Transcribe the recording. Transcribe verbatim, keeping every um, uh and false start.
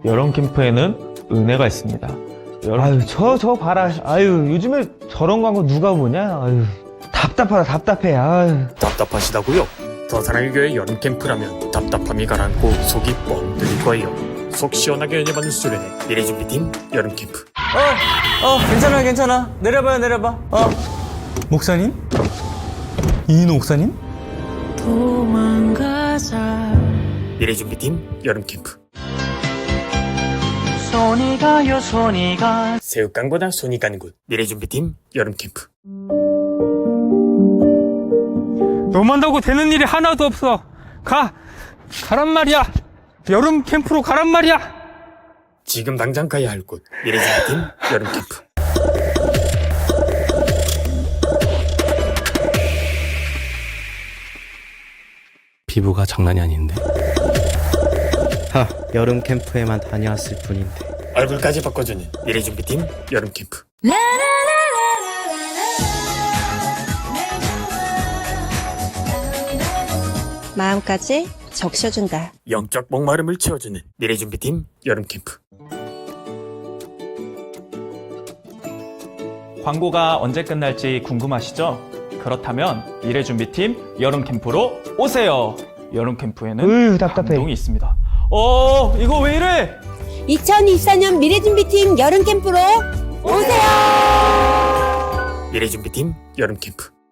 여름 캠프에는 은혜가 있습니다. 아유, 저, 저 봐라. 아유, 요즘에 저런 광고 누가 보냐? 아유, 답답하다, 답답해. 아유. 답답하시다고요? 더 사랑의 교회 여름 캠프라면 답답함이 가라앉고 속이 뻥 뚫릴 거예요. 속 시원하게 연애받는 수련회 미래준비팀 여름 캠프. 어, 어, 괜찮아, 괜찮아. 내려봐요, 내려봐. 어. 목사님? 이인호 목사님? 도망가자. 미래준비팀 여름 캠프. 손이 가요, 손이 가. 새우깡보다 손이 가는 곳 미래준비팀 여름 캠프. 너만다고 되는 일이 하나도 없어. 가! 가란 말이야! 여름 캠프로 가란 말이야! 지금 당장 가야 할 곳 미래준비팀 여름 캠프. 피부가 장난이 아닌데. 하, 여름 캠프에만 다녀왔을 뿐인데. 얼굴까지 바꿔주는 미래준비팀 여름 캠프. 마음까지 적셔준다. 영적 목마름을 채워주는 미래준비팀 여름 캠프. 광고가 언제 끝날지 궁금하시죠? 그렇다면 미래준비팀 여름 캠프로 오세요. 여름 캠프에는 으, 답답해. 감동이 있습니다. 어, 이거 왜 이래? 이천이십사 년 미래준비팀 여름 캠프로 오세요! 미래준비팀 여름 캠프.